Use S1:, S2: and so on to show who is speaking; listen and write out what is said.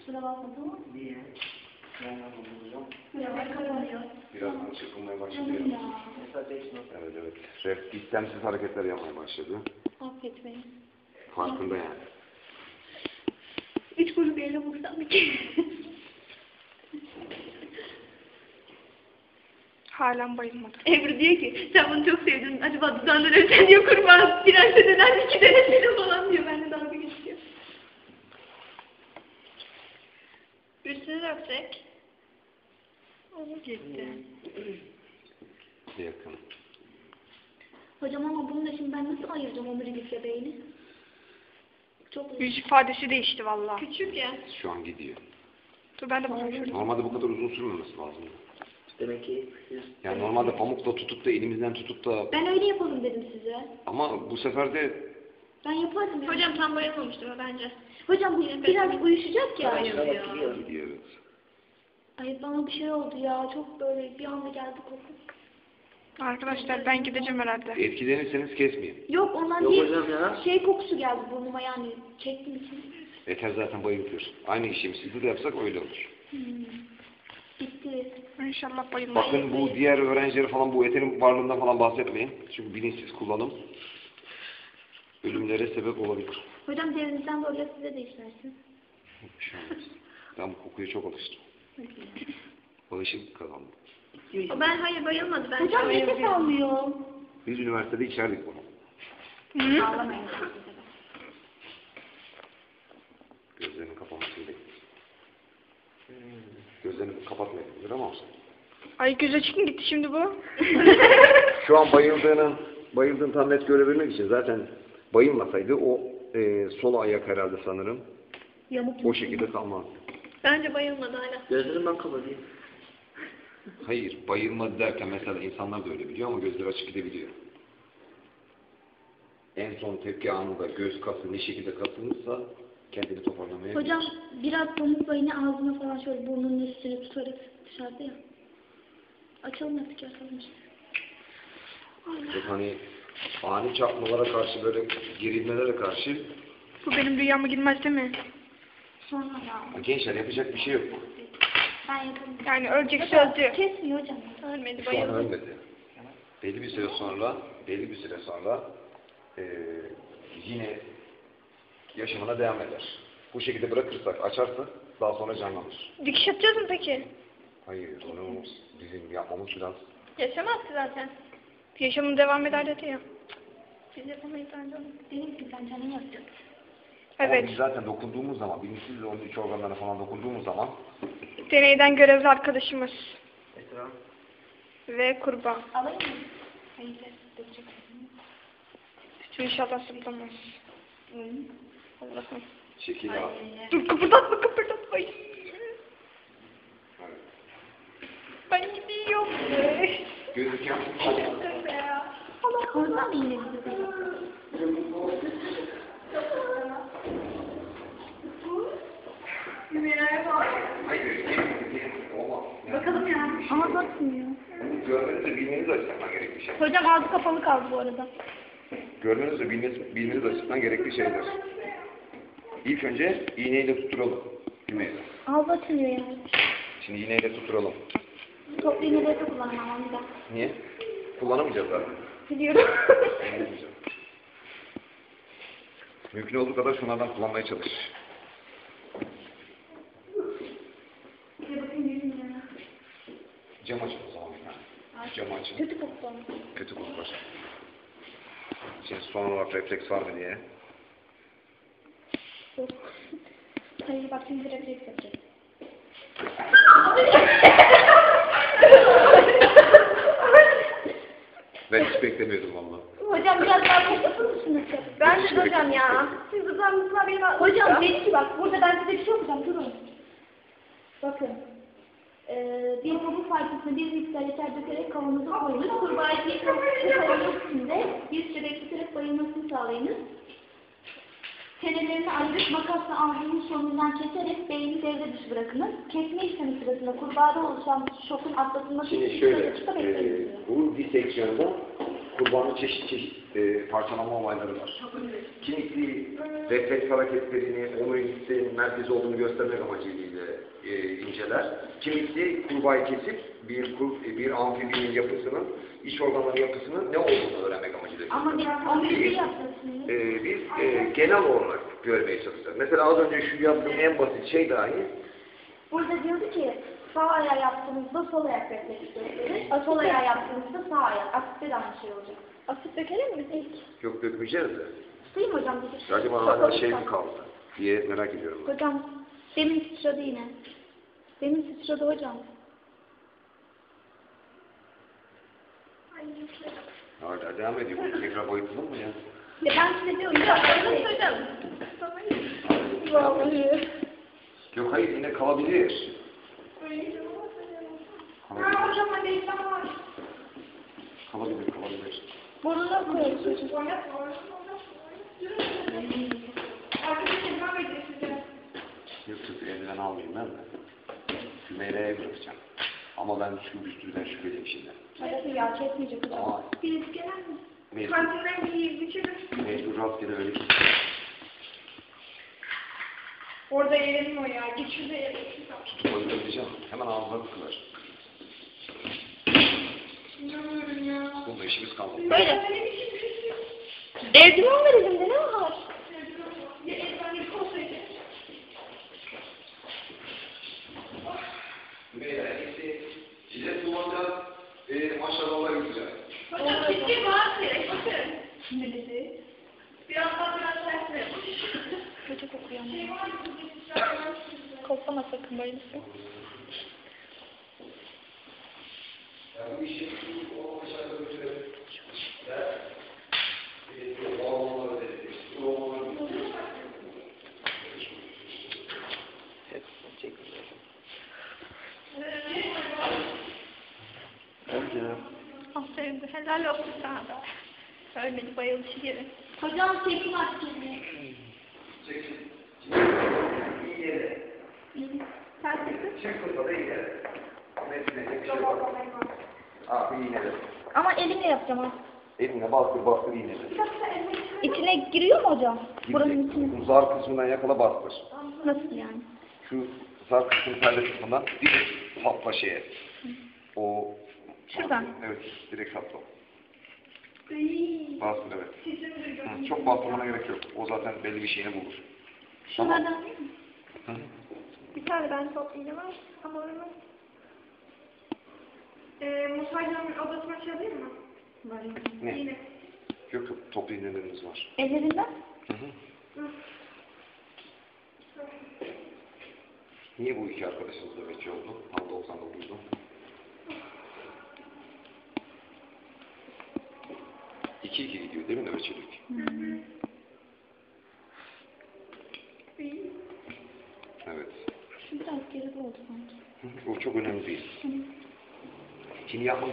S1: Kusura bakma tamam mı?
S2: Niye?
S3: Birazdan çırpınmaya başladı.
S1: Ya.
S2: Mesela 5 not.
S3: Evet evet. Rap istemsiz hareketler yapmaya başladı.
S1: Affet beni.
S3: Farkında yani.
S1: 3 grup yerine vursam bir kere.
S4: Halen bayılmadı.
S1: Ebru diyor ki sen bunu çok sevdin. Acaba dudağından öpsen diyor kurban. Prense neden 2 denesine falan diyor. Ben de dalga geçiyor. Üstüne de öpsek. Olur gitti.
S3: Yakın.
S1: Hocam ama bunu da şimdi ben nasıl ayıracağım omurilikle beyni? Çok uzun.
S4: Yüz ifadesi değişti valla.
S1: Küçük ya.
S3: Şu an gidiyor.
S4: Dur ben de bakıyorum.
S3: Normalde bu kadar uzun sürmemesi lazım.
S2: Demek ki
S3: Yani normalde pamukla tutup da elimizden tutup da
S1: Ben öyle yapalım dedim size.
S3: ama bu sefer de
S1: Ben yapardım ya. Hocam tam bayılmamıştır o bence. Hocam bu biraz uyuşacak ya.
S2: gidiyor.
S3: gidiyor evet.
S1: Ay bana bir şey oldu ya. Çok böyle bir anda geldi koku.
S4: Arkadaşlar ben gideceğim herhalde.
S3: Etkilenirseniz kesmeyin.
S1: Yok ondan
S2: Yok
S1: değil.
S2: hocam ya.
S1: Şey kokusu geldi burnuma yani. Çektim için.
S3: Eter zaten bayıltıyor. Aynı işlemi sizde de yapsak öyle olur.
S1: Bitti.
S4: İnşallah bayılmaz.
S3: Bakın bu diğer öğrencilere falan bu eterin varlığından falan bahsetmeyin. Çünkü bilinçsiz kullanım ölümlere sebep olabilir.
S1: Hocam derinizden böyle size de işlersin.
S3: Bir şey olmaz. Ben bu kokuya çok alıştım. Alışık kazandım.
S1: Ben hayır bayılmadı. Ben hocam nefes almıyor.
S3: Biz üniversitede içerdik bunu.
S1: Ağlamayın.
S3: Gözlerini kapamasını bekliyoruz. Gözlerini kapatmayabilir ama
S4: Ay göz açık mı gitti şimdi bu?
S3: şu an bayıldığını tam net görebilmek için zaten bayılmasaydı o sol ayak herhalde sanırım
S1: Yamuk
S3: o şekilde kalmazdı.
S1: Bence bayılmadı hala.
S2: Gözlerimi ben kapatayım.
S3: Hayır, bayılmadı derken mesela insanlar da öyle biliyor ama gözleri açık gidebiliyor. En son tepki anında göz kası ne şekilde kasılmışsa kendini toparlamaya
S1: Hocam biraz pamuk bayını ağzına falan şöyle burnunun üstüne tutarak dışarıda ya. Açalım artık yakalım işte.
S3: çok hani ani çarpmalara karşı böyle gerilmelere karşı
S4: Bu benim rüyama girmez değil mi?
S1: Sonra ya.
S3: gençler yapacak bir şey yok.
S1: Ben yakalım.
S4: Yani ölecekse öldü.
S1: Kesmiyor hocam. Ölmedi
S3: Şu an ölmedi. Belli bir süre sonra yine yaşamına devam eder. Bu şekilde bırakırsak, açarsa daha sonra canlanır.
S4: Dikiş atacağız mı peki?
S3: Hayır, onu bizim yapmamız biraz...
S1: Yaşamazdı zaten.
S4: Yaşamın devam eder dedi ya.
S1: Biz yapamayız bence onu. Benim gibi ben canım yapacak.
S3: Ama
S4: Evet.
S3: biz zaten dokunduğumuz zaman, bilinçsiz onun iç organlarına falan dokunduğumuz zaman
S4: Deneyden görevli arkadaşımız.
S2: Esra.
S4: Ve kurban.
S1: Alayım mı? Hayır, dökecek.
S4: İnşallah sıplamaz. Allah'ım.
S3: şekil al.
S4: Dur kıpırdatma kıpırdatma. Ben gidiyorum.
S3: Gözüken
S1: Allah oradan mı yine gidiyor?
S3: olmaz.
S1: Bakalım ya. Ama bakmıyor.
S3: Görmeniz de bilmeniz açısından gerekli şey.
S1: Hocam ağzı kapalı kaldı bu arada.
S3: Görmeniz de bilmeniz açısından gerekli şeyler. İlk önce iğneyle tutturalım. Düğmeyi.
S1: Ağzı açılıyor yani.
S3: Şimdi iğneyle tutturalım.
S1: Toplu iğneleri de kullanmam bir daha.
S3: Niye? Kullanamayacağız zaten.
S1: Biliyorum.
S3: Kullanamayacağız. Mümkün olduğu kadar şunlardan kullanmaya çalış.
S1: Bir bakayım yüzüm ya.
S3: Cam açın o zaman bir tane. Cam açın.
S1: Kötü koktu.
S3: Kötü koklar. Şimdi son olarak refleks var mı diye.
S1: Yok. Hayır bak şimdi refleks yapacak.
S3: Ben hiç beklemiyordum valla.
S1: Hocam biraz daha yapar mısınız? Ben de hocam ya. Siz hızlanmışsınlar benim hocam dedi ki bak burada ben size bir şey okuyacağım durun. Bakın. Bir kabuk parçasına bir miktar yeter dökerek kavanoza koyunuz. Kurbağayı kavanoz içinde bir süre bekleterek bayılmasını sağlayınız. Çenelerini ayırıp makasla ağzının sonundan keserek beyni devre dışı bırakınız. Kesme işlemi sırasında kurbağada oluşan şokun atlatılması
S3: Şimdi
S1: için
S3: şöyle,
S1: dakika bekleyiniz.
S3: bu diseksiyonda kurbanın çeşit çeşit parçalanma olayları var. Kimisi refleks hareketlerini, omurilikte merkezi olduğunu göstermek amacıyla inceler. Kimisi kurbağayı kesip bir amfibinin yapısının, iç organların yapısının ne olduğunu öğrenmek amacıyla.
S1: Ama biz bir yapıyorsunuz.
S3: Biz genel olarak görmeye çalışacağız. Mesela az önce şu yaptığım en basit şey dahi
S1: Burada diyordu ki sağ ayağı yaptığımızda sol ayak refleksi gösterir. Sol ayağı yaptığımızda sağ ayak. Asitte de aynı şey olacak.
S4: Asit dökelim mi ilk?
S3: yok dökmeyeceğiz de.
S1: Tutayım hocam bir de.
S3: Acaba hala şey mi kaldı diye merak ediyorum. Ben.
S1: Hocam demin sıçradı yine. Demin sıçradı hocam.
S3: Hala devam ediyor. Tekrar boyutulur mu ya?
S1: Ben size diyorum ya.
S4: Hocam.
S1: Vallahi.
S3: Yok hayır yine kalabilir. Kalabilir.
S4: Hocam hadi işlem var.
S3: Kalabilir.
S1: Burnuna koyuyoruz hocam.
S4: Arkadaşlar ben vereceğim size.
S3: Yok eldiven almayayım ben de. Hümeyra'ya bırakacağım. Ama ben şu üstünden şüpheliyim şimdi.
S1: Evet ya kesmeyecek hocam.
S3: Ama
S4: Birisi gelen mi?
S3: mecbur,
S4: Kantinden bir biçelim.
S3: mecbur rastgele öyle ki.
S4: Orada yiyelim o ya. Git şurada yiyelim.
S3: Öldüreceğim. Hemen ağzına tıkılır.
S4: İnanmıyorum ya.
S3: Bunda işimiz kalmadı.
S1: Böyle. Eldiven var elimde ne var?
S4: Ya ezberlik olsaydı.
S3: Hümeyra gitti. Cilet kullanacağız. Maşallahlar güzel.
S4: Hocam ciddi var direkt. Bakın. Ne dedi? Birazdan biraz tersine.
S1: Kötü kokuyor ama. Koklama sakın bayılırsın.
S3: Ya bu işi o aşağıda götürelim.
S4: Aferin de helal olsun sana da. Ölmedi bayılışı gibi.
S1: Hocam tepki var şimdi.
S3: Çekin. İyi yere.
S4: Ters yapın.
S3: Çek kısa da iyi yere. Metine bir şey var. Abi iğnele.
S1: Ama elimle yapacağım ha.
S3: Eline bastır iğnele.
S1: İçine giriyor mu hocam? Buranın içine.
S3: Bu zar kısmından yakala bastır.
S1: Nasıl yani?
S3: Şu zar kısmının perde kısmından direkt sapla şeye. O
S1: Şuradan.
S3: evet direkt sapla. Bastır evet. Çok bastırmana gerek yok. O zaten belli bir şeyini bulur.
S1: Şunlardan değil mi?
S3: Hı.
S4: Bir tane ben top iğne var ama olmaz. Musa'nın odasına çalayım mı?
S1: Var.
S3: Ne?
S4: İğne.
S3: Yok toplu iğnelerimiz var.
S1: Ellerinden?
S3: Hı hı. Niye bu iki arkadaşımız nöbetçi oldu? Tam 99'du. İki gidiyor değil mi nöbetçilik? Evet.
S1: Şu biraz geride oldu sanki.
S3: O çok önemli değil. Şimdi yapmak